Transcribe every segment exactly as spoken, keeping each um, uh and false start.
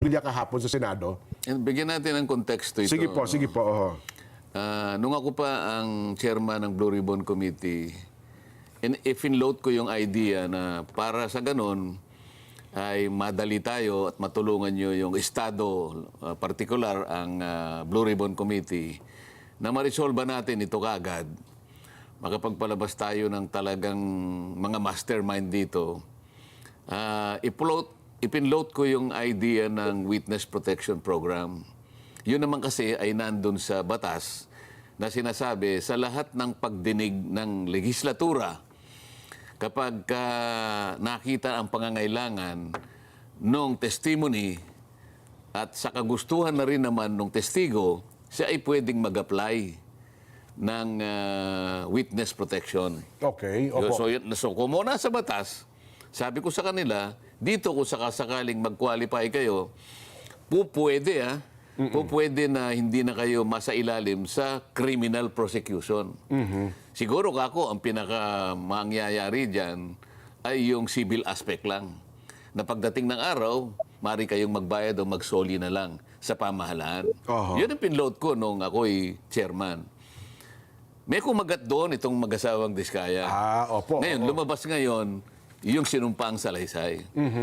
Lilia kahapon sa Senado. And bigyan natin ng konteksto ito. Sige po, sige po. oho. Ah, nung ako pa ang chairman ng Blue Ribbon Committee, and if in-load ko yung idea na para sa ganun, ay madali tayo at matulungan nyo yung estado, uh, particular ang uh, Blue Ribbon Committee, na ma-resolve natin ito kaagad, makapagpalabas tayo ng talagang mga mastermind dito. Uh, ipload, ipinload ko yung idea ng Witness Protection Program. Yun naman kasi ay nandun sa batas na sinasabi sa lahat ng pagdinig ng legislatura, kapag uh, nakita ang pangangailangan ng testimony at sa kagustuhan na rin naman ng testigo, siya ay pwedeng mag-apply ng uh, witness protection. Okay, opo. So, yun- so kung muna sa batas, sabi ko sa kanila, dito kung sakasakaling mag-qualify kayo, po pwede ah, po pwede na hindi na kayo masailalim sa criminal prosecution. Siguro kako ang pinaka mangyayari dyan ay yung civil aspect lang. Na pagdating ng araw, mari kayong magbayad o magsoli na lang sa pamahalaan. Aha. Yun ang pinload ko nung ako'y chairman. May kumagat doon itong mag-asawang Diskaya. Ah, opo. Ngayon, opo. lumabas ngayon yung sinumpang salaysay.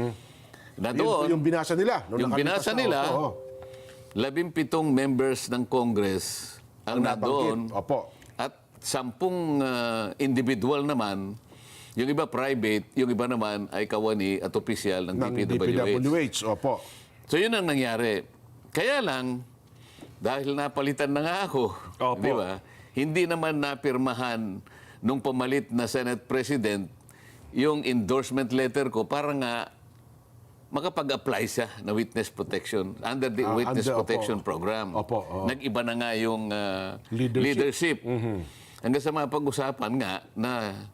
Na Yun po doon, yung binasa nila. nung yung nakalipas binasa na- nila, opo, opo. labimpitong members ng Congress ang Ang nandoon nabanggit. Opo. at sampung ah, individual naman, yung iba private, yung iba naman ay kawani at opisyal ng, Ng D P D P W H. W H. Opo. So yun ang nangyari. Kaya lang, dahil napalitan na nga ako, Opo. di ba? Hindi naman napirmahan nung pamalit na Senate President yung endorsement letter ko para nga makapag-apply siya na witness protection under the Ah, witness under- protection opo. program. Opo, oo. Nag-iba na nga yung ah, Leadership. leadership. Hanggang sa mapag-usapan nga na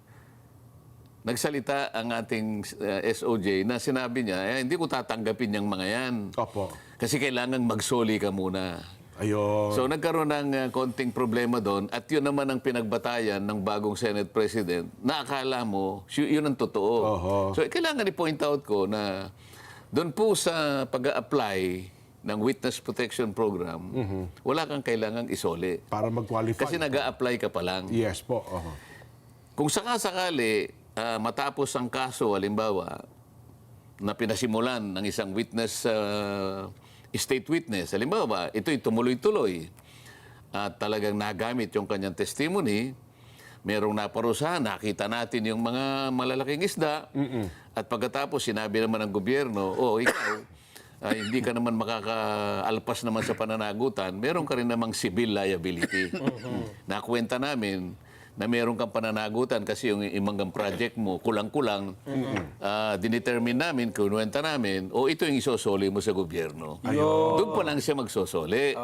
nagsalita ang ating ah, S O J na sinabi niya, eh, hindi ko tatanggapin yung mga yan. Opo. Kasi kailangan magsoli ka muna. Ayun. So nagkaroon ng uh, konting problema doon at yun naman ang pinagbatayan ng bagong Senate President na akala mo sy- yun ang totoo. Oho. So kailangan i-point out ko na doon po sa pag-apply ng Witness Protection Program, wala kang kailangang isoli. Para mag-qualify. Kasi nag-a-apply ka pa lang. Yes po. oho. Kung sakasakali ah, matapos ang kaso, halimbawa, na pinasimulan ng isang witness, ah, state witness, halimbawa, ito'y tumuloy-tuloy at talagang nagamit yung kanyang testimony, merong naparusahan, nakita natin yung mga malalaking isda, at pagkatapos sinabi naman ng gobyerno, oh, ikaw, ah, hindi ka naman makakaalpas naman sa pananagutan, meron ka rin namang civil liability. Nakwenta namin na meron kang pananagutan kasi yung imanggang project mo, kulang-kulang, ah, dinetermine namin, kinuwenta namin, o ito yung isosoli mo sa gobyerno. Doon pa lang siya magsosoli.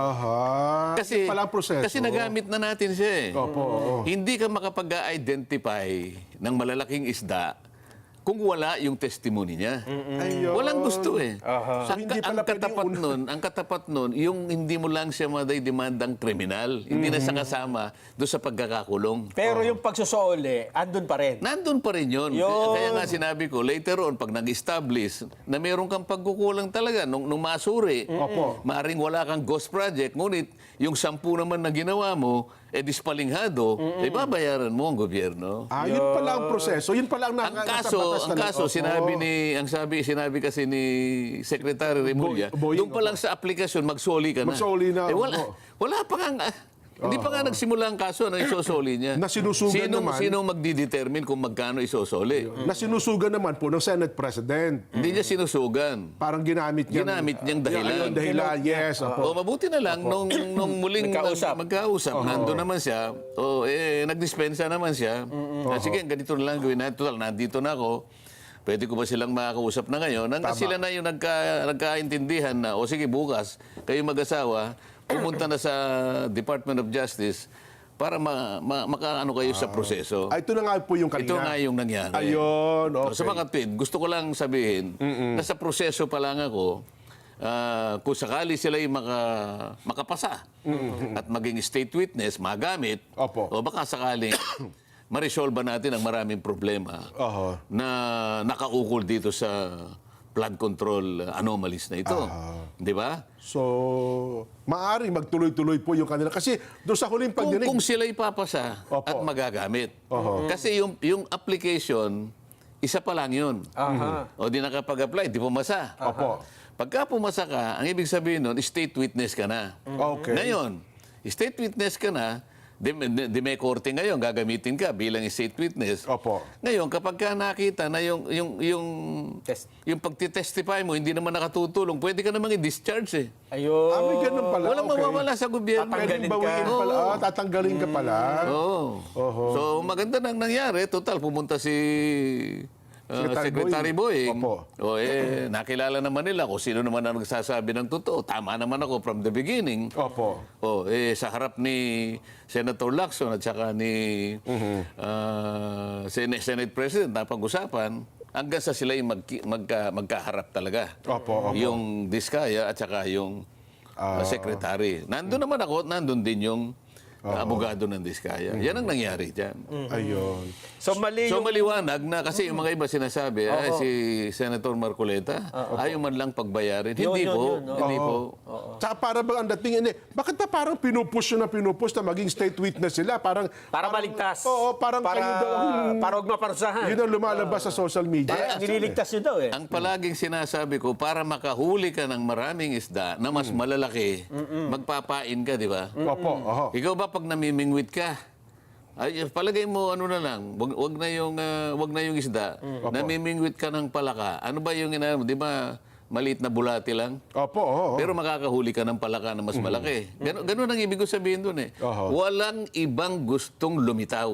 Aha. Kasi, Yun pala ang proseso. kasi nagamit na natin siya eh. Opo, oo. Hindi ka makapag-identify ng malalaking isda kung wala yung testimony niya. Ayun. Walang gusto eh. So, Ang, hindi ka- pala ang katapat pwede yung nun, ang katapat nun, yung hindi mo lang siya maday-demandang kriminal. Hindi na siya kasama doon sa pagkakakulong. Pero yung pagsusoli, andun pa rin. Nandun pa rin yun. Yun. Kaya nga sinabi ko, later on, pag nag-establish na meron kang pagkukulang talaga nung, nung masuri, Opo. maaring wala kang ghost project, ngunit yung sampu naman na ginawa mo, eh dispalinghado, eh babayaran mo ang gobyerno. Ah, yun pala ang proseso. Yun pala ang Ang naka- nasa kaso, batas ang talaga. kaso Opo. sinabi ni ang sabi sinabi kasi ni Secretary Remulla, Boy- Boying, doon pa lang sa aplikasyon magsoli ka na. Magsoli na, Eh wala, opo. wala pa nga ah, hindi pa nga nagsimula ang kaso na isosoli niya. Na sinusugan Sinong, naman. Sinong magdidetermine kung magkano isosoli? Na sinusugan naman po ng Senate President. Hindi niya sinusugan. Parang ginamit niya. Ginamit niyang dahilan. Ayun, dahilan, yes. O Opo. mabuti na lang nung nung muling Magkausap. mag- magkausap, nandun naman siya. O eh nagdispensa naman siya. Ah, sige, ganito na lang gawin natin. Total, nandito na ako. Pwede ko ba silang makakausap na ngayon? Hanggang Tama. sila na yung nagka, nagkaintindihan na, o sige, bukas, kayo mag-asawa, pumunta na sa Department of Justice para ma, ma, makaano kayo sa proseso. Ah, ito na nga po yung kanina. Ito nga yung nangyari. Ayun, okay. So, sa mga tweet, gusto ko lang sabihin, na sa proseso pa lang ako, ah, kung sakali sila yung maka, makapasa at maging state witness, magamit, Opo. o baka sakaling ma-resolve natin ang maraming problema Oho. na nakaukol dito sa flood control anomalies na ito. Di ba? So, maaari magtuloy-tuloy po yung kanila. Kasi doon sa huling Kung, pagdinig, kung sila ipapasa Opo. at magagamit. Kasi yung, yung application, isa pa lang yun. Aha. O di nakapag-apply, di pumasa. Opo. Pagka pumasa ka, ang ibig sabihin nun, state witness ka na. Okay. Ngayon, state witness ka na, di, di, di may korte ngayon, gagamitin ka bilang state witness. Opo. Ngayon, kapag ka nakita na yung, yung, yung, Test. yung pagtitestify mo, hindi naman nakatutulong, pwede ka namang i-discharge eh. Ayun. Ah, may ganun pala. Walang okay. mawawala sa gobyerno. Tatanggalin Pwedeng bawiin ka. pala. Ah, tatanggalin ka pala. Oo. Oho. So, maganda nang nangyari. Total, pumunta si uh, Secretary Secretary Boying. Boying. Opo. O, eh, nakilala naman nila kung sino naman ang nagsasabi ng totoo. Tama naman ako from the beginning. Opo. O, eh, sa harap ni Senator Lacson at saka ni Mhm. uh, Senate, Senate President na pag-usapan, hanggang sa sila yung magki- magka, magkaharap talaga. Opo, opo. Yung Diskaya at saka yung uh, Secretary. Nandun naman ako, nandun din yung uh, abogado ng Diskaya. Yan ang nangyari dyan. Ayun. So mali So yung... maliwanag na kasi yung mga iba sinasabi, ay si Senator Marcoleta, ayaw man lang pagbayarin. Yun, Hindi yun, po. yun, oo. Hindi po. Tsaka para bang ang dating, hindi, bakit pa parang pinupush yun na pinupush na maging state witness sila? Parang, Para maligtas. Oo, parang para, kayo daw ang- para huwag maparusahan. yun ang lumalabas sa social media. Para nililigtas yun daw eh. Ang palaging sinasabi ko, para makahuli ka ng maraming isda na mas malalaki, magpapain ka, di ba? Opo, oho. Ikaw ba pag namimingwit ka, ay, palagay mo ano na lang, wag, wag na yung ah, wag na yung isda. Namimingwit ka ng palaka. Ano ba yung ina, 'di ba? Maliit na bulati lang. Opo, oho. Pero makakahuli ka ng palaka na mas malaki. Ganun, ganun ang ibig ko sabihin doon eh. Oho. Walang ibang gustong lumitaw.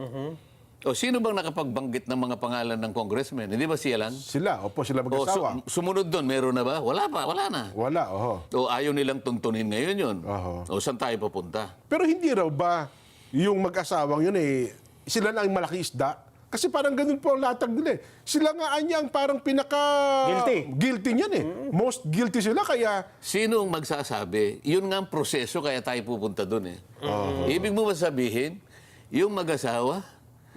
O sino bang nakapagbanggit ng mga pangalan ng congressman? Hindi ba siya lang? Sila, opo, sila O mag-asawa. su- sumunod doon, meron na ba? Wala pa, wala na. Wala, oho. O ayaw nilang tuntunin ngayon yun. Oho. O saan tayo papunta? Pero hindi raw ba yung mag-asawang yun eh, sila na ang malaki isda? Kasi parang ganun po ang latag nila eh. Sila nga anya ang parang pinaka... Guilty. Guilty niyan eh. Most guilty sila kaya... Sino ang magsasabi? Yun nga ang proseso kaya tayo pupunta doon eh. Ibig mo ba sabihin, yung mag-asawa,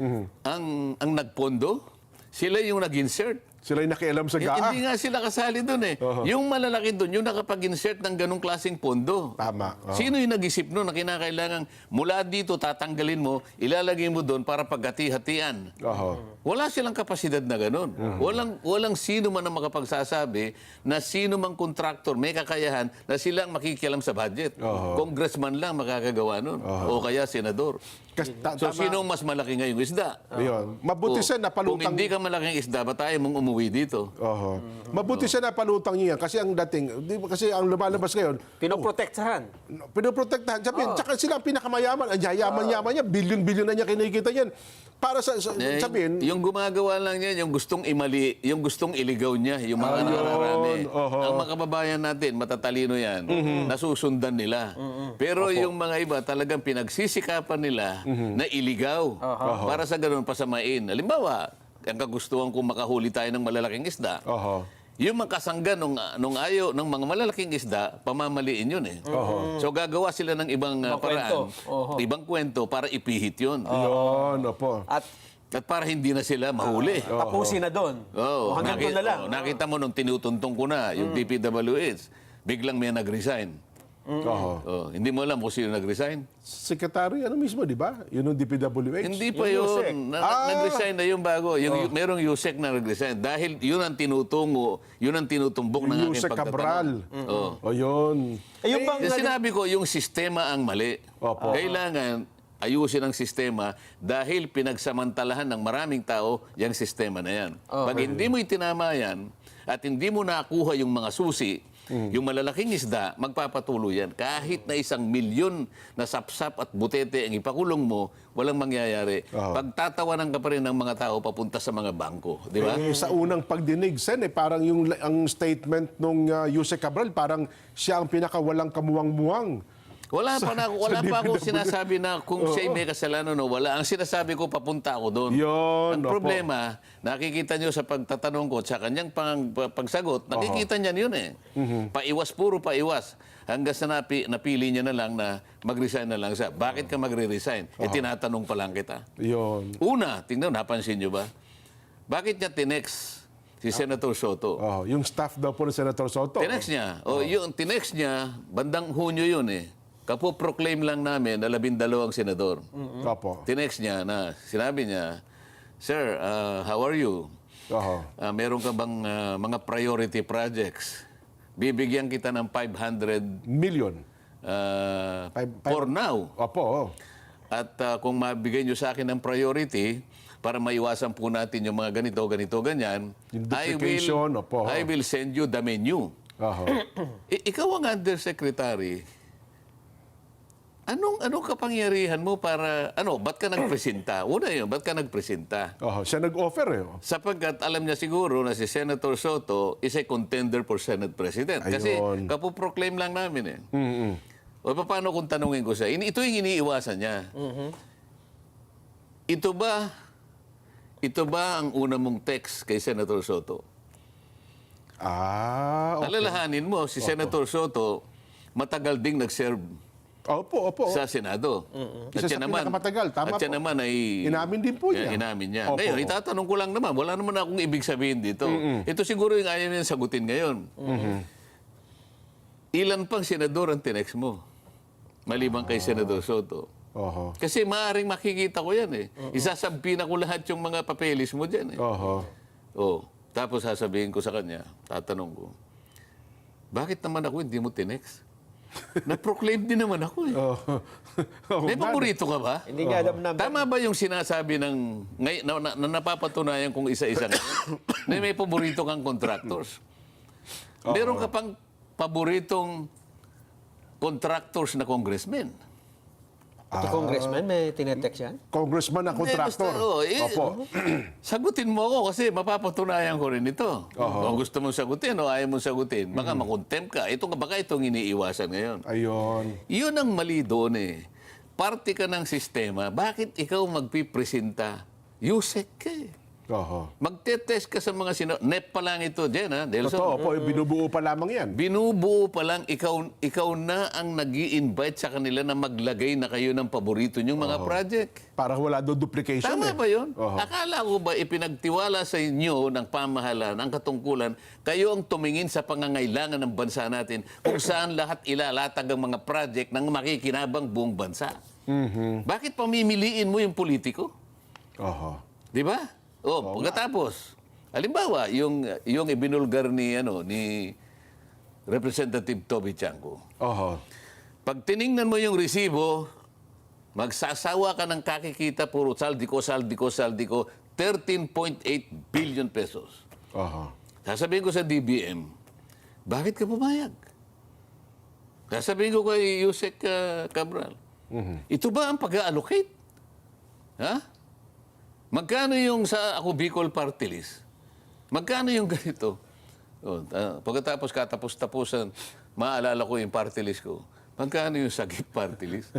ang, ang nagpondo, sila yung nag-insert. Sila yung nakialam sa Eh, gaa. Hindi nga sila kasali doon eh. Yung malalaki doon, yung nakapag-insert ng ganong klaseng pondo. Tama. Oo. Sino yung nag-isip noon na kinakailangan mula dito tatanggalin mo, ilalagay mo doon para paghati-hatian? Oho. Wala silang kapasidad na ganun. Walang walang sino man ang makapagsasabi na sino mang kontraktor may kakayahan na silang makikialam sa budget. Congressman lang makakagawa nun. O kaya senador. Kasi, ta- So tama. sino ang mas malaki ngayong isda? Ayun. Mabuti O, siya Kung napalutang... hindi ka malaking isda, ba tayo mong umuwi dito? Oho. Mabuti siya napalutang niya kasi ang dating, di ba kasi ang lumalabas ngayon, Pinoprotektahan. pinoprotektahan. Sabihin, tsaka sila ang pinakamayaman. Ang yayaman-yaman niya, bilyon-bilyon na niya kinikita niyan. Para sa, sa Eh, sabihin, yung gumagawa lang niya, yung gustong imali, yung gustong iligaw niya, yung mga nakararami. oho. Ang mga kababayan natin, matatalino yan, nasusundan nila. Pero yung mga iba, talagang pinagsisikapan nila na iligaw. Para sa ganun, pasamain. Halimbawa, ang kagustuhan kong makahuli tayo ng malalaking isda. oho. Yung makasangga nung, nung ayo ng mga malalaking isda, pamamaliin yun eh. So gagawa sila ng ibang uh, Ibang kwento. paraan, Oho. ibang kwento para ipihit yun. Yun, opo. At At para hindi na sila mahuli. tapusin na doon. Oh, O hanggang doon na lang. oh, nakita mo nung tinutuntong ko na, yung D P W H, biglang may nag-resign. Oho. Oh, hindi mo alam kung sino nag-resign? Secretary, ano mismo, di ba? Yun yung D P W H. Hindi pa Yung yun. Yusek. Na, Ah! Nag-resign na yung bago. Yung, Merong Yusek na nag-resign. Dahil yun ang tinutungo, yun ang tinutumbok ng aking Yusek Cabral. pagtatanong. Oh. O yun. Eh, yung bang... Yung sinabi ko, yung sistema ang mali. Opo. Kailangan ayusin ang sistema dahil pinagsamantalahan ng maraming tao yung sistema na yan. Pag hindi mo itinama yan at hindi mo nakuha yung mga susi, yung malalaking isda, magpapatuloy yan. Kahit na isang milyon na sapsap at butete ang ipakulong mo, walang mangyayari. Pagtatawanan ka pa rin ng mga tao papunta sa mga bangko. Di ba? Eh, sa unang pagdinig, Sen, eh, parang yung ang statement nung uh, Yusek Cabral, parang siya ang pinakawalang kamuwang-muwang. Wala pa na wala sa pa akong D P W. sinasabi na kung siya'y may kasalanan o wala. Ang sinasabi ko, papunta ako doon. Yun, Ang opo. problema, nakikita nyo sa pagtatanong ko at sa kanyang pang, pa- pagsagot, nakikita niya yun eh. Mhm. Paiwas, puro paiwas. Hanggang sa napi, napili niya na lang na mag-resign na lang siya. Bakit ka magre-resign? Eh, tinatanong pa lang kita. Yun. Una, tingnan, napansin nyo ba? Bakit niya tinext si Senator Soto. Oh, yung staff daw po ni Senator Soto. Tinext niya. O, yung tinext niya, bandang Hunyo yun eh. Kapo-proclaim lang namin na labindalawang senador. Opo. Tinext niya na, sinabi niya, Sir, uh, how are you? Oho. Uh, meron ka bang uh, mga priority projects? Bibigyan kita ng five hundred Million. uh, Five- five- for now. Opo. oh. At uh, kung mabigay nyo sa akin ng priority, para maiwasan po natin yung mga ganito, ganito, ganyan, Yung I duplication, will, opo. I will send you the menu. Oho. I- ikaw ang undersecretary. Anong anong kapangyarihan mo para ano, ba't ka nagpresenta? Una 'yun, ba't ka nagpresenta? Oho. Siya nag-offer eh. oh. Sapagkat alam niya siguro na si Senator Soto is a contender for Senate President. Kasi Ayun. kapoproclaim lang namin eh. Mm-mm. O paano kung tanungin ko siya? Ini- Ito yung iniiwasan niya. Ito ba ito ba ang una mong text kay Senator Soto? Ah, okay. Alalahanin mo, si Senator Soto matagal ding nag-serve Opo, opo. sa Senado. Isa sa pinakamatagal, tama at siya po. naman ay... Inamin din po niya. Eh, Inamin niya. Opo. Ngayon, itatanong ko lang naman, wala naman akong ibig sabihin dito. Ito siguro yung ayaw niya sagutin ngayon. Ilan pang senador ang tinext mo? Maliban kay Senador Soto. Oho. Kasi maaaring makikita ko yan eh. Isasabi na ko lahat yung mga papeles mo dyan eh. Oho. Oh, tapos sasabihin ko sa kanya, tatanong ko, bakit naman ako hindi mo tinext? Na-proclaim din naman ako eh. Oho. Oh, May paborito ka ba? Hindi nga alam na. Tama ba yung sinasabi ng ngay, na, na, na napapatunayan kung isa-isa ngayon na may paborito kang contractors? Meron ka pang paboritong contractors na congressmen. Ito congressman, may tinetext yan? Congressman na contractor. Eh, basta, oh, eh, Opo. Sagutin mo ako kasi mapapatunayan ko rin ito. Kung gusto mong sagutin o ayaw mong sagutin, baka makontempt ka. Ito, baka itong iniiwasan ngayon. Ayun. Yun ang mali doon eh. Parte ka ng sistema, bakit ikaw magpipresenta? Yusek ka eh. Oho. Magte-test ka sa mga sino... N E P pa lang ito, Jen, ha? Delson? Totoo po, binubuo pa lamang yan. Binubuo pa lang, ikaw, ikaw na ang nag invite sa kanila na maglagay na kayo ng paborito niyong mga project. Para wala doon duplication Tama eh. ba yun? Oho. Akala ko ba ipinagtiwala sa inyo ng pamahalaan, ang katungkulan, kayo ang tumingin sa pangangailangan ng bansa natin kung saan lahat ilalatag ang mga project ng makikinabang buong bansa. Mhm. Bakit pamimiliin mo yung politiko? Oho. Di ba? Oh, pagkatapos, halimbawa, yung yung ibinulgar ni ano ni Representative Toby Chanco. Oho. Pag tiningnan mo yung resibo, magsasawa ka ng kakikita puro saldi ko, saldi ko, saldi ko, thirteen point eight billion pesos. Oho. Sasabihin ko sa D B M, bakit ka pumayag? Sasabihin ko kay Yusek uh, Cabral, ito ba ang pag-allocate? Ha? Magkano yung sa ako Bicol Party List? Magkano yung ganito? Oh, ah, pagkatapos katapos-tapusan, maalala ko yung party list ko. Magkano yung sagip party list?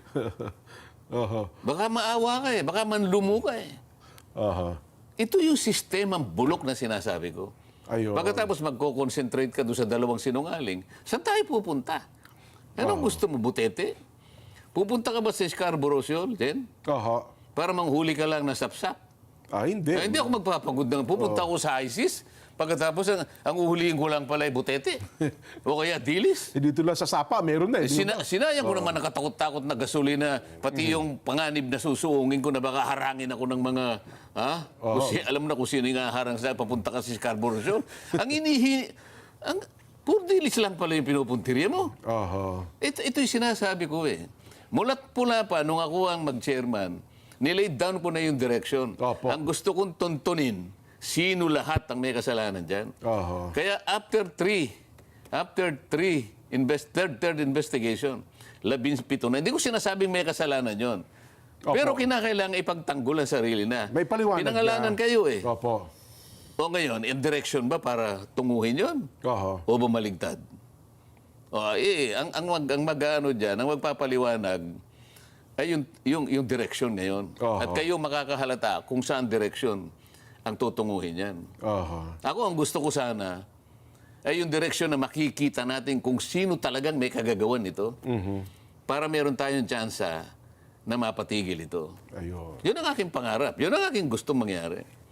Oho. Baka maawa ka eh. Baka manlumo ka eh. Oho. Ito yung sistemang bulok na sinasabi ko. Ayun. Pagkatapos magko-concentrate ka doon sa dalawang sinungaling, saan tayo pupunta? Anong gusto mo, butete? Pupunta ka ba sa Scarborough Shoal, Jen? Oho. Para manghuli ka lang ng sapsap? Ah, hindi. Eh, hindi ako magpapagod ng pupunta ako sa ISIS. Pagkatapos, ang, ang uhulihin ko lang pala ay butete. O kaya dilis. Eh, dito lang sa Sapa, meron na eh. Eh, sina, sinayang ko naman nakatakot-takot na gasolina, pati yung panganib na susuungin ko na baka harangin ako ng mga... Ha? Kung si, alam na kung sino yung harang sa papunta ka sa Scarborough Shoal. Ang inihi... Ang, puro dilis lang pala yung pinupuntirya mo. Oho. Ito, ito yung sinasabi ko eh. Mulat pula pa, nung ako ang mag-chairman, nilay down ko na yung direction. Opo. Ang gusto kong tuntunin, sino lahat ang may kasalanan dyan. Oho. Kaya after three, after three, invest, third, third investigation, labing pito na. Hindi ko sinasabing may kasalanan yon. Opo. Pero kinakailangan ipagtanggol ang sarili na. May paliwanag Pinangalanan niya. kayo eh. Opo. O ngayon, in direction ba para tunguhin yon? Oho. O bumaligtad? O, eh, ang, ang, mag, ang mag-ano dyan, ang magpapaliwanag, ay yung, yung, yung direction ngayon. Oho. At kayo makakahalata kung saan direction ang tutunguhin yan. Oho. Ako, ang gusto ko sana, ay yung direction na makikita natin kung sino talagang may kagagawan nito para meron tayong tsansa na mapatigil ito. Ayun. Yun ang aking pangarap. Yun ang aking gustong mangyari.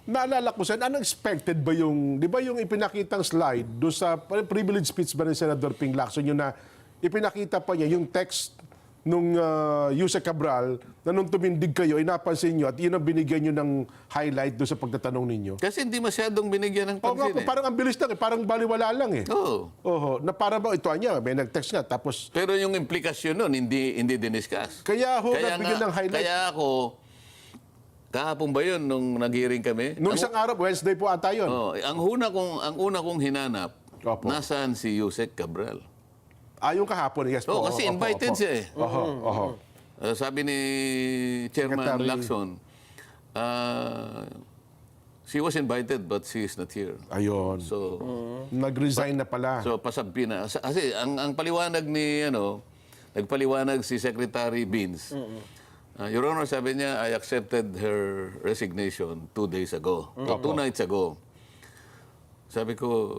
naalala ko sa unexpected ba yung, di ba yung ipinakitang slide doon sa privilege speech ba ni Senator Ping Lacson, yun na ipinakita pa niya yung text nung uh, Yuse Cabral na nung tumindig kayo, ay napansin nyo at yun ang binigyan nyo ng highlight doon sa pagtatanong ninyo. Kasi hindi masyadong binigyan ng Oo nga pansin po, eh. parang ang bilis lang eh, parang baliwala lang eh. Oo. Oho, na para ba ito niya, may nag-text nga, tapos Pero yung implikasyon nun, hindi hindi diniscuss. kaya ho, Kaya, nabigyan nga, ng highlight. kaya ako, kahapon ba yun nung nag-hearing kami? Nung ang, isang araw, Wednesday po ata yun. oh, ang una kong ang una kong hinanap, Opo. nasaan si Yusek Cabral? Ah, yung kahapon, yes po. Oo, kasi Opo, invited opo. siya eh. Oho, oho. Uh, sabi ni Chairman Secretary. Lacson, uh, she was invited but she is not here. Ayun. So, Nag-resign na pala. so pasabi na. Sa- Kasi ang, ang paliwanag ni, ano, nagpaliwanag si Secretary Beans. Uh, Your Honor, sabi niya, I accepted her resignation two days ago. O two nights ago. Sabi ko,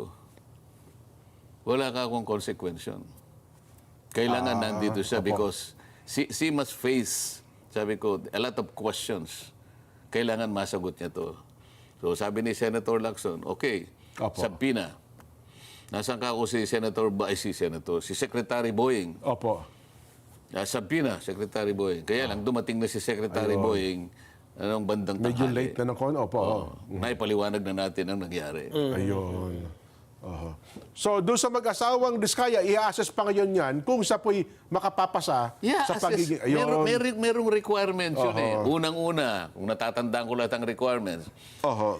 wala ka akong consequence. Kailangan nandito siya because she, she must face, sabi ko, a lot of questions. Kailangan masagot niya to. So sabi ni Senator Lacson, okay, Opo. sabina. Nasaan ka ako si Senator, ba, ay, si Senator, si Secretary Boying. Opo. Uh, sabina, Secretary Boying. Kaya lang dumating na si Secretary Boying anong bandang Medyo tanghali. late na ng kon. Opo. Oh, naipaliwanag na natin ang nangyari. Ayun. Oho. So, doon sa mag-asawang Diskaya, i-assess pa ngayon yan kung siya po'y makapapasa Yeah, sa assess. pagiging... Ayun. Meron, meron, merong requirements yun eh. Oho. Unang-una, kung natatandaan ko lahat ang requirements, Oho.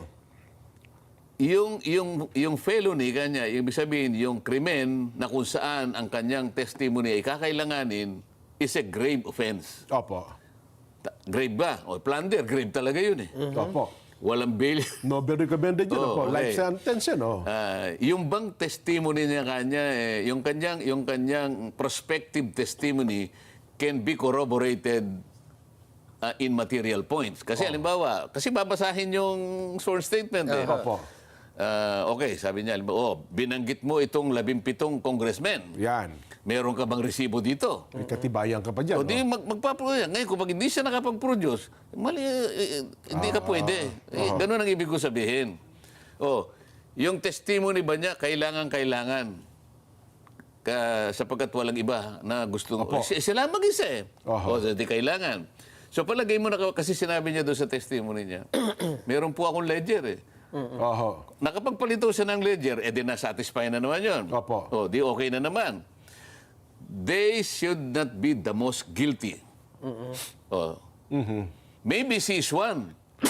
yung, yung, yung felony kanya, ibig sabihin, yung krimen na kung saan ang kanyang testimony ay kakailanganin is a grave offense. Opo. Ta- Grave ba? O plunder, grave talaga yun eh. Opo. Walang bail. Nobel recommended yun. Oh, Opo. okay. Life sentence yun. Oh. Ah, yung bang testimony niya kanya, eh, yung kanyang, yung kanyang prospective testimony can be corroborated ah, in material points. Kasi halimbawa, kasi babasahin yung sworn statement eh. Opo. Ah, okay, sabi niya, halimbawa, oh, binanggit mo itong labimpitong congressmen. Yan. Meron ka bang resibo dito? May katibayan ka pa dyan. O di mag, magpaproduce. Ngayon, kung pag hindi siya nakapag-produce, mali, eh, eh, hindi ka pwede. Eh, ganun ang ibig ko sabihin. O, yung testimony ba niya, kailangan-kailangan. Ka, sapagkat walang iba na gusto. Opo. Si- Sila mag-isa eh. Oho. O, so, di kailangan. So, palagay mo na, kasi sinabi niya doon sa testimony niya, meron po akong ledger eh. Oho. Nakapagpalito siya ng ledger, eh di na-satisfy na naman yun. Opo. O, di okay na naman. They should not be the most guilty. Oh. Maybe she is one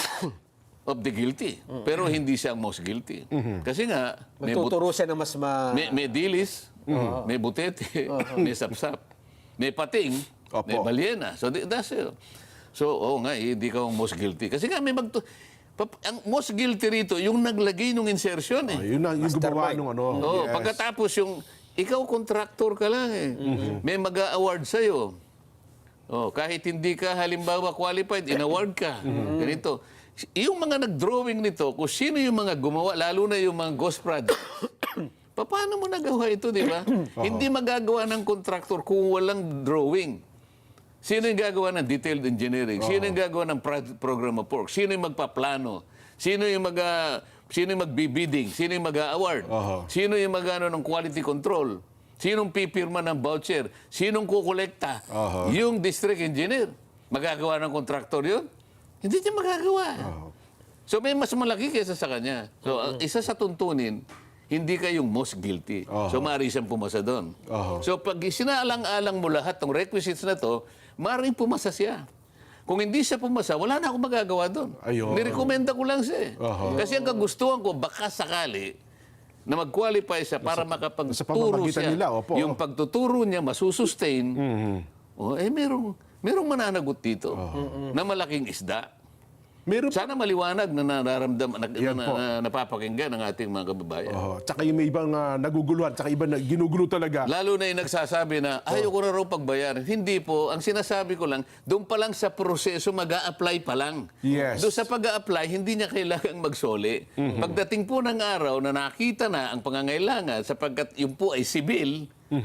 of the guilty, pero hindi siya ang most guilty. Kasi nga, may, but- Magtuturo siya na mas ma... may, may dilis, may butete, may sapsap, may pating, Opo. may balyena. So, di- that's it. So, oo nga, eh, hindi ka ang most guilty. Kasi nga, may magtu... Pap- ang most guilty rito, yung naglagay ng insertion eh. Ayun na, yung gumawa Mastermind. nung ano. Oo, Yes. pagkatapos yung, ikaw contractor ka lang eh. May mag-a-award sa'yo. Oh, kahit hindi ka halimbawa qualified, in-award ka. Ganito. Yung mga nag-drawing nito, kung sino yung mga gumawa, lalo na yung mga ghost projects, pa- paano mo nagawa ito, di ba? Hindi magagawa ng contractor kung walang drawing. Sino yung gagawa ng detailed engineering? Sino yung gagawa ng pro- program of work? Sino yung magpaplano? Sino yung mag ah, sino yung magbibidding? Sino yung mag-award? Oho. Sino yung mag-ano ng quality control? Sinong pipirma ng voucher? Sinong kukolekta? Oho. Yung district engineer. Magagawa ng contractor yun? Hindi niya magagawa. So may mas malaki kaysa sa kanya. So ang isa sa tuntunin, hindi kayong most guilty. Oho. So maaari siyang pumasa doon. Oho. So pag sinaalang-alang mo lahat ng requisites na to, maaaring pumasa siya. Kung hindi siya pumasa, wala na akong magagawa doon. Ayun. Nirekomenda ko lang siya. eh. Oho. Kasi ang kagustuhan ko, baka sakali, na mag-qualify siya para makapagturo sa pamamagitan siya. nila, opo. Yung pagtuturo niya, masusustain. Oh, eh, merong, merong mananagot dito na malaking isda. Meron pa. Sana maliwanag na nararamdaman, na, Yan na, po. na, napapakinggan ng ating mga kababayan. Oho. Tsaka yung may ibang ah, naguguluhan, tsaka iba na ginugulo talaga. Lalo na yung nagsasabi na, ayaw ko na raw pagbayaran. Hindi po. Ang sinasabi ko lang, doon pa lang sa proseso, mag apply pa lang. Yes. Doon sa pag apply hindi niya kailangang magsoli. Pagdating po ng araw na nakita na ang pangangailangan, sapagkat yung po ay sibil,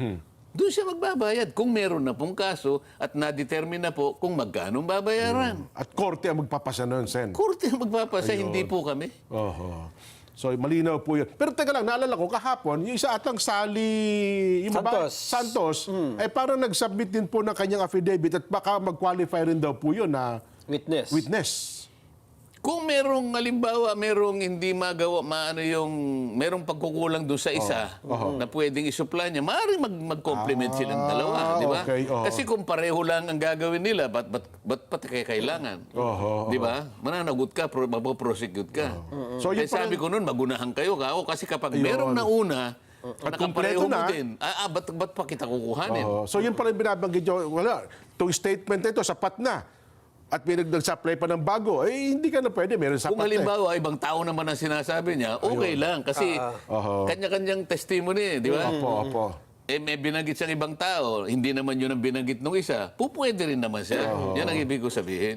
doon siya magbabayad kung meron na pong kaso at na-determine na po kung magkano babayaran. At korte ang magpapasa nun, Sen. Korte ang magpapasa, hindi po kami. Oho. So, malinaw po yun. Pero teka lang, naalala ko, kahapon, yung isa atang Sally yung baba- Santos. Santos ay parang nag-submit din po ng kanyang affidavit at baka mag-qualify rin daw po yun na Witness. witness. Kung merong, halimbawa, merong hindi magawa, maano yung, merong pagkukulang doon sa isa na pwedeng isupply niya, maaaring mag, mag-complement silang dalawa, di ba? okay, oo. Kasi kung pareho lang ang gagawin nila, ba't, ba't, ba't pati kaya kailangan? Oho, Di ba? Mananagot ka, pro, mapoprosecute ka. So, yun Kaya sabi ko noon, magunahan kayo ka. O, kasi kapag merong nauna, At nakapareho kumpleto mo na. din, ah, ah, ba't, ba't pa kita kukuhanin? Oho. So, yun pala yung binabanggit nyo. Wala, itong statement na ito, sapat na. At may nag-supply pa ng bago, eh hindi ka na pwede, meron sapat Kung na. eh. halimbawa, ibang tao naman ang sinasabi niya, okay lang. Kasi Oho. kanya-kanyang testimony, di ba? Opo, opo. Eh, may binanggit siyang ibang tao, hindi naman yun ang binanggit ng isa, pupwede rin naman siya. Yan ang ibig ko sabihin.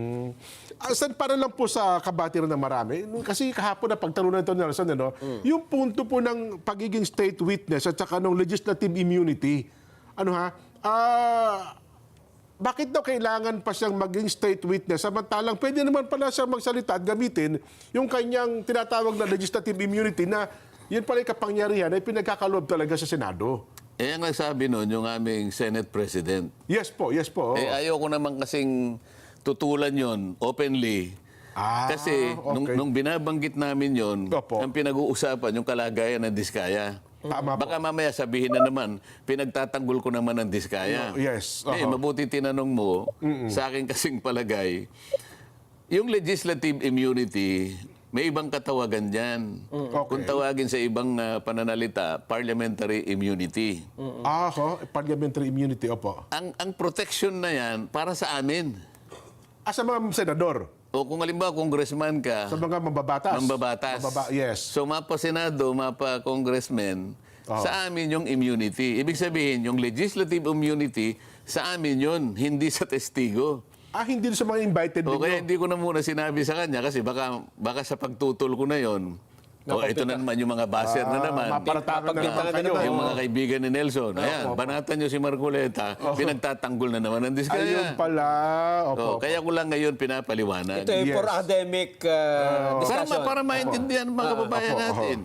Ah, Sen, para lang po sa kabatiran ng marami, kasi kahapon na pagtalunan ito ni Nelson, ano, yung punto po ng pagiging state witness at saka ng legislative immunity, ano ha, ah, bakit daw kailangan pa siyang maging state witness samantalang pwede naman pala siyang magsalita at gamitin yung kanyang tinatawag na legislative immunity na yun pala yung kapangyarihan ay pinagkakaloob talaga sa Senado. Eh, ang nagsabi nun, yung aming Senate President, Yes po, yes po. eh, ayoko naman kasing tutulan yon openly. Ah, Kasi nung, okay. nung binabanggit namin yon, Opo. ang pinag-uusapan yung kalagayan ng Diskaya. Tama po. Baka mamaya sabihin na naman, pinagtatanggol ko naman ang Diskaya. No, yes, Eh, uh-huh. mabuti tinanong mo, sa akin kasing palagay, yung legislative immunity, may ibang katawagan dyan. Okay. Kung tawagin sa ibang ah, pananalita, parliamentary immunity. Ah, ho, parliamentary immunity, opo. Ang, ang protection na yan, para sa amin. Ah, sa mga senador, O kung halimbawa, congressman ka, sa mga mambabatas. mambabatas. Mambaba- yes. So, mapa Senado, mapa Congressman, sa amin yung immunity. Ibig sabihin, yung legislative immunity, sa amin yun, hindi sa testigo. Ah, hindi sa mga invited O kaya ninyo. hindi ko na muna sinabi sa kanya kasi baka, baka sa pagtutol ko na yon. O ito na naman yung mga baser na naman. Maparatangan na Mapagpintangan naman na kayo. naman. Yung mga kaibigan ni Nelson. Ayan, banatan nyo si Marcoleta, pinagtatanggol na naman ang Ayun Diskaya. pala. O, Opo. kaya ko lang ngayon pinapaliwanag. Ito ay Yes. for academic uh, Para, discussion. ma- para maintindihan ng mga kababayan opo, natin.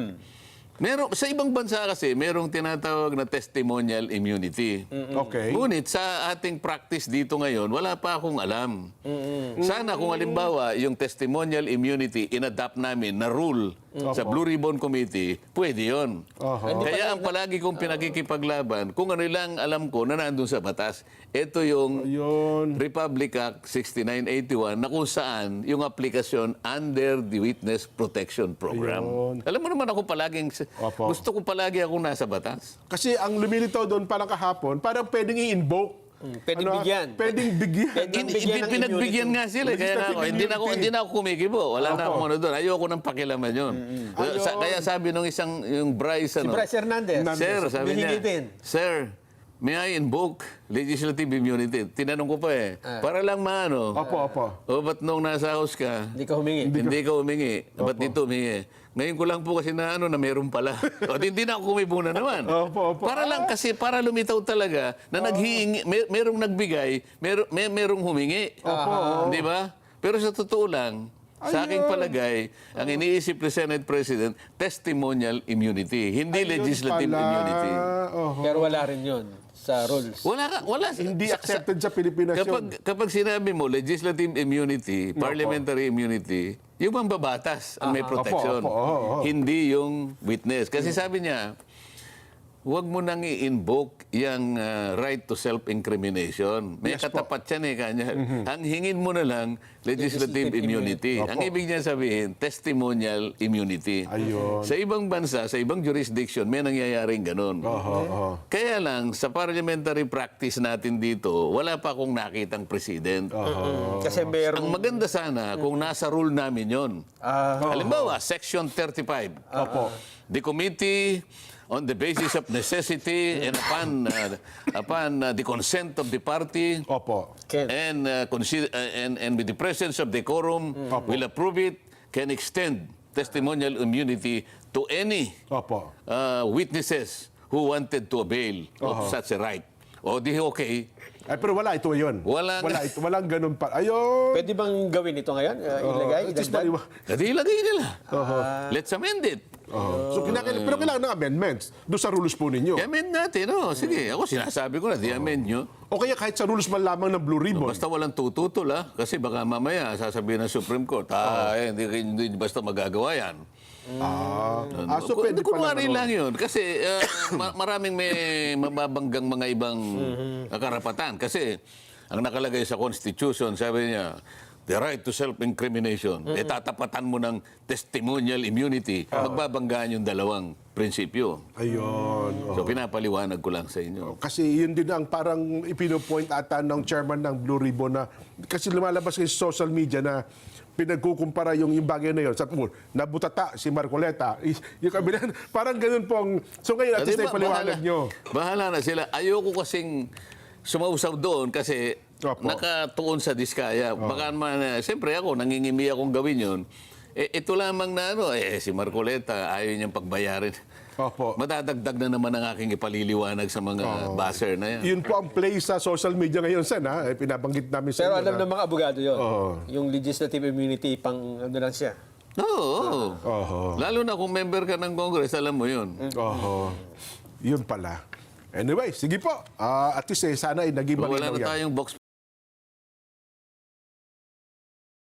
Meron, sa ibang bansa kasi, merong tinatawag na testimonial immunity. Okay. Ngunit sa ating practice dito ngayon, wala pa akong alam. Sana kung halimbawa, yung testimonial immunity, inadapt namin na rule sa Blue Ribbon Committee, pwede yun. Oho. Kaya ang palagi kong pinakikipaglaban, kung ano lang alam ko na nandun sa batas, ito yung Yun. Republic Act sixty-nine eighty-one na kung saan yung aplikasyon under the Witness Protection Program. Ayun. Alam mo naman ako palaging, Opo. gusto ko palagi ako nasa batas. Kasi ang lumilitaw doon parang kahapon, parang pwedeng i-invoke. pwedeng ah, bigyan. Pwedeng bigyan. Pwedeng Hindi, bigyan ng pinagbigyan nga sila. eh. Kaya nga ako, hindi na ako, hindi na ako kumikibo. Wala na akong ano doon. Ayoko nang pakilaman yun. Ayun. Sa- kaya sabi nung isang, yung Bryce, Si ano, Bryce Hernandez. Sir, sabi Humihingi niya, din. Sir, may I invoke legislative immunity? Tinanong ko pa eh. Para lang maano. Opo, opo. O ba't nung nasa house ka, Hindi ka humingi. hindi, ka humingi? Ba't dito humingi? Ngayon ko lang po kasi na ano na meron pala. O hindi na ako kumibo na naman. Opo, opo. Para lang kasi, para lumitaw talaga na naghihingi, may, merong nagbigay, mer, may, merong humingi. Opo. Di ba? Pero sa totoo lang, sa aking palagay, ang iniisip ni Senate President, testimonial immunity, hindi Ayun legislative pala. immunity. Oho. Pero wala rin yun sa rules. Wala ka, wala. Hindi sa- sa- accepted sa Pilipinas Kapag, yun. kapag sinabi mo legislative immunity, parliamentary immunity, yung mambabatas ang may protection. Opo, opo, oo, oo. Hindi yung witness. Kasi sabi niya, huwag mo nang i-invoke yung uh, right to self-incrimination. May Yes po. katapat yan eh, kanya. Ang hingin mo na lang, legislative, Legislative immunity. Opo. Ang ibig niya sabihin, testimonial immunity. Ayun. Sa ibang bansa, sa ibang jurisdiction, may nangyayaring ganun. Oho, oho. Kaya lang, sa parliamentary practice natin dito, wala pa akong nakitang president. Mm, Kasi Ang merong... maganda sana kung nasa rule namin yon. Ah, Halimbawa, Section thirty-five. Opo. The committee, on the basis of necessity and upon, uh, upon uh, the consent of the party, Opo. Ken. and, uh, consider, uh, and, and with the presence of decorum, will approve it, can extend testimonial immunity to any Opo. uh, witnesses who wanted to avail of such a right. O di okay. Ay, pero wala ito yun. Wala wala nga. ito, walang ganun pa. Ayun. Pwede bang gawin ito ngayon? Uh, ilagay? It is idagdag? maliwa- Kasi ilagay nila. Let's amend it. Oh. So, kinakailangan, pero kailangan ng amendments doon sa rules po ninyo. I-amend natin, no? Sige, ako sinasabi ko na, di-amend nyo. O kaya kahit sa rules man lamang ng Blue Ribbon. Basta walang tututol, ha? Kasi baka mamaya sasabihin ng Supreme Court, ah, eh, hindi, hindi basta magagawa yan. Ah, ah, so Kung- pwede pa kunwari ano. lang yun. Kasi uh, ma- maraming may mababanggang mga ibang karapatan. Kasi ang nakalagay sa Constitution, sabi niya, the right to self-incrimination. Eh, tatapatan mo ng testimonial immunity. Magbabanggaan yung dalawang prinsipyo. Ayun. So, pinapaliwanag ko lang sa inyo. Kasi yun din ang parang ipinopoint ata ng chairman ng Blue Ribbon na kasi lumalabas kayo sa social media na pinagkukumpara yung, yung bagay na yun. Sabi mo, nabutata si Marcoleta. Y- Yung kabila, parang ganun pong... So ngayon, at least Di na ba, ipaliwanag bahala- nyo. Bahala na sila. Ayoko kasing sumausaw doon kasi Opo. nakatuon sa diskaya. Baka man, eh, siyempre ako, nangingimi akong gawin yun. Eh, ito lamang na ano, eh, si Marcoleta, ayaw niyang pagbayarin. Opo. Madadagdag na naman ang aking ipaliliwanag sa mga buzzer na yan. Yun po ang play sa social media ngayon, Sen, ha? Eh, pinabanggit namin sa Pero inyo alam na- ng mga abogado yun. Oo. Yung legislative immunity, pang ano lang siya. Oo. Oho. Lalo na kung member ka ng Congress, alam mo yun. Oho. Yun pala. Anyway, sige po. Ah, at least eh, sana ay naging Wala malinaw na yan. tayong box